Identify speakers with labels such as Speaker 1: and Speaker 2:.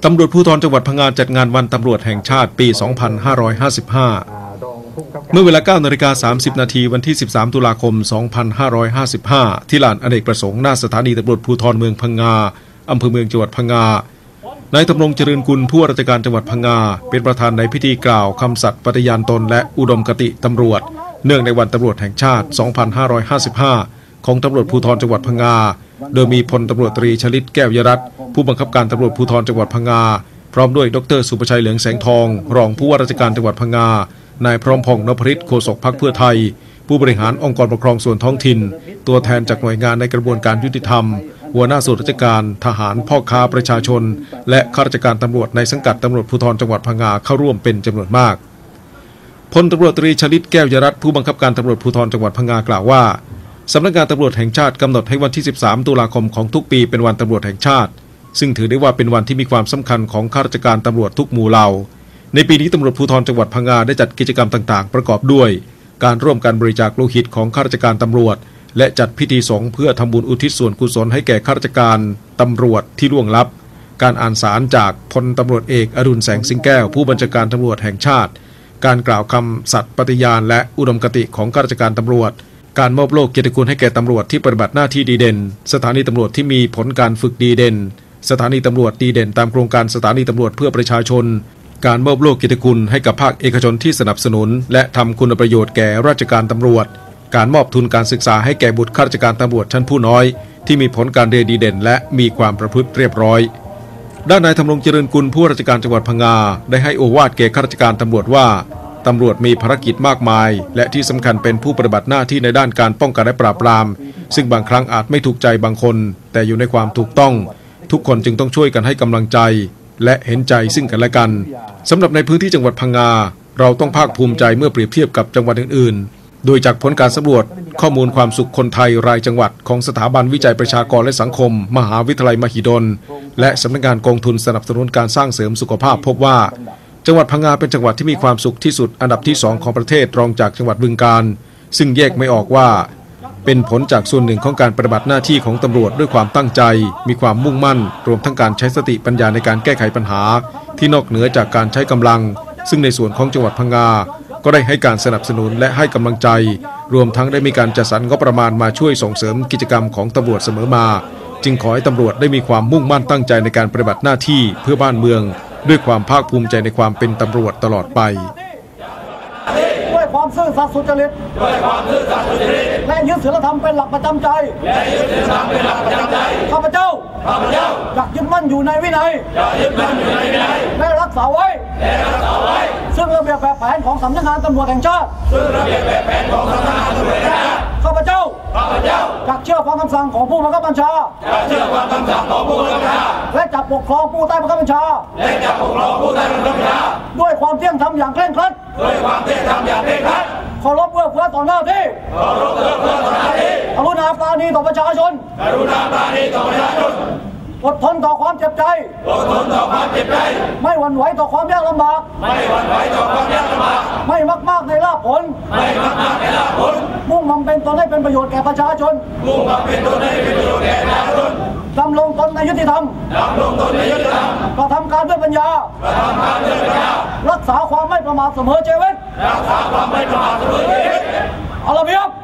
Speaker 1: ตำรวจภูธรจังหวัดพังงาจัดงานวันตำรวจแห่งชาติปี 2555 เมื่อเวลา 9:30 น.วันที่ 13 ตุลาคม 2555 ที่ลานอเนกประสงค์หน้าสถานีตำรวจภูธรเมืองพังงาอำเภอเมืองจังหวัดพังงานายธำรงเจริญกุลผู้ว่าราชการจังหวัดพังงาเป็นประธานในพิธีกล่าวคำสัตย์ปฏิญาณตนและอุดมคติตำรวจเนื่องในวันตำรวจแห่งชาติ 2555 ของตำรวจภูธรจังหวัดพังงาโดยมีพลตำรวจตรีชลิตแก้ว ยรัตน์ผู้บังคับการตำรวจภูธรจังหวัดพังงาพร้อมด้วยดร.สุประชัยเหลืองแสงทองรองผู้ว่าราชการจังหวัดพังงานายพร้อมพงษ์นพฤทธิ์โฆษกพรรคเพื่อไทยผู้บริหารองค์กรปกครองส่วนท้องถิ่นตัวแทนจากหน่วยงานในกระบวนการยุติธรรมหัวหน้าส่วนราชการทหารพ่อค้าประชาชนและข้าราชการตำรวจในสังกัดตำรวจภูธรจังหวัดพังงาเข้าร่วมเป็นจำนวนมากพลตำรวจตรีชลิตแก้ว ยรัตน์ผู้บังคับการตำรวจภูธรจังหวัดพังงากล่าวว่าสำนักงานตำรวจแห่งชาติกำหนดให้วันที่ 13 ตุลาคมของทุกปีเป็นวันตำรวจแห่งชาติซึ่งถือได้ว่าเป็นวันที่มีความสำคัญของข้าราชการตำรวจทุกหมู่เหล่าในปีนี้ตำรวจภูธรจังหวัดพังงาได้จัดกิจกรรมต่างๆประกอบด้วยการร่วมกันบริจาคโลหิตของข้าราชการตำรวจและจัดพิธีสงฆ์เพื่อทำบุญอุทิศส่วนกุศลให้แก่ข้าราชการตำรวจที่ล่วงลับการอ่านสารจากพลตำรวจเอกอดุลแสงสิงแก้วผู้บัญชาการตำรวจแห่งชาติการกล่าวคำสัตย์ปฏิญาณและอุดมคติของข้าราชการตำรวจการมอบโล่เกียรติคุณให้แก่ตำรวจที่ปฏิบัติหน้าที่ดีเด่นสถานีตำรวจที่มีผลการฝึกดีเด่นสถานีตำรวจดีเด่นตามโครงการสถานีตำรวจเพื่อประชาชนการมอบโล่เกียรติคุณให้กับภาคเอกชนที่สนับสนุนและทำคุณประโยชน์แก่ราชการตำรวจการมอบทุนการศึกษาให้แก่บุตรข้าราชการตำรวจชั้นผู้น้อยที่มีผลการเรียนดีเด่นและมีความประพฤติเรียบร้อยด้านนายธำรงเจริญกุลผู้ว่าราชการจังหวัดพังงาได้ให้โอวาทแก่ข้าราชการตำรวจว่าตำรวจมีภารกิจมากมายและที่สำคัญเป็นผู้ปฏิบัติหน้าที่ในด้านการป้องกันและปราบปรามซึ่งบางครั้งอาจไม่ถูกใจบางคนแต่อยู่ในความถูกต้องทุกคนจึงต้องช่วยกันให้กำลังใจและเห็นใจซึ่งกันและกันสำหรับในพื้นที่จังหวัดพังงาเราต้องภาคภูมิใจเมื่อเปรียบเทียบกับจังหวัดอื่นๆโดยจากผลการสำรวจข้อมูลความสุขคนไทยรายจังหวัดของสถาบันวิจัยประชากรและสังคมมหาวิทยาลัยมหิดลและสำนักงานกองทุนสนับสนุนการสร้างเสริมสุขภาพพบว่าจังหวัดพังงาเป็นจังหวัดที่มีความสุขที่สุดอันดับที่2ของประเทศรองจากจังหวัดบึงกาฬซึ่งแยกไม่ออกว่าเป็นผลจากส่วนหนึ่งของการปฏิบัติหน้าที่ของตำรวจด้วยความตั้งใจมีความมุ่งมั่นรวมทั้งการใช้สติปัญญาในการแก้ไขปัญหาที่นอกเหนือจากการใช้กำลังซึ่งในส่วนของจังหวัดพังงาก็ได้ให้การสนับสนุนและให้กำลังใจรวมทั้งได้มีการจัดสรรงบประมาณมาช่วยส่งเสริมกิจกรรมของตำรวจเสมอมาจึงขอให้ตำรวจได้มีความมุ่งมั่นตั้งใจในการปฏิบัติหน้าที่เพื่อบ้านเมืองด้วยความภาคภูมิใจในความเป็นตำรวจตลอดไป
Speaker 2: ด้วยความซื่อสัตย์สุจริตและยึดศีลธรรมเป็นหลักประจำใจข้าพเจ้าอยากยึดมั่นอยู่ในวินัยและรักษาไว้ซึ่งระเบียบแบบแผนของสำนักงานตำรวจแห่งชาติข้าพเจ้าอยากเชื่อฟังคำสั่งของผู้บังคับบัญชาและจะปกครองผู้ใต้บังคับบัญชาด้วยความเที่ยงธรรมอย่างเคร่งครัดเคารพเอื้อเฟื้อต่อหน้าที่กรุณาปราณีต่อประชาชนอดทนต่อความเจ็บใจไม่หวั่นไหวต่อความยากลำบากไม่มากในลาภผลมุ่งมั่นเป็นตนให้เป็นประโยชน์แก่ประชาชนดำรงตนในยุติธรรมกระทำการด้วยปัญญารักษาความไม่ประมาทเสมอชีวิตเอาละเพียบ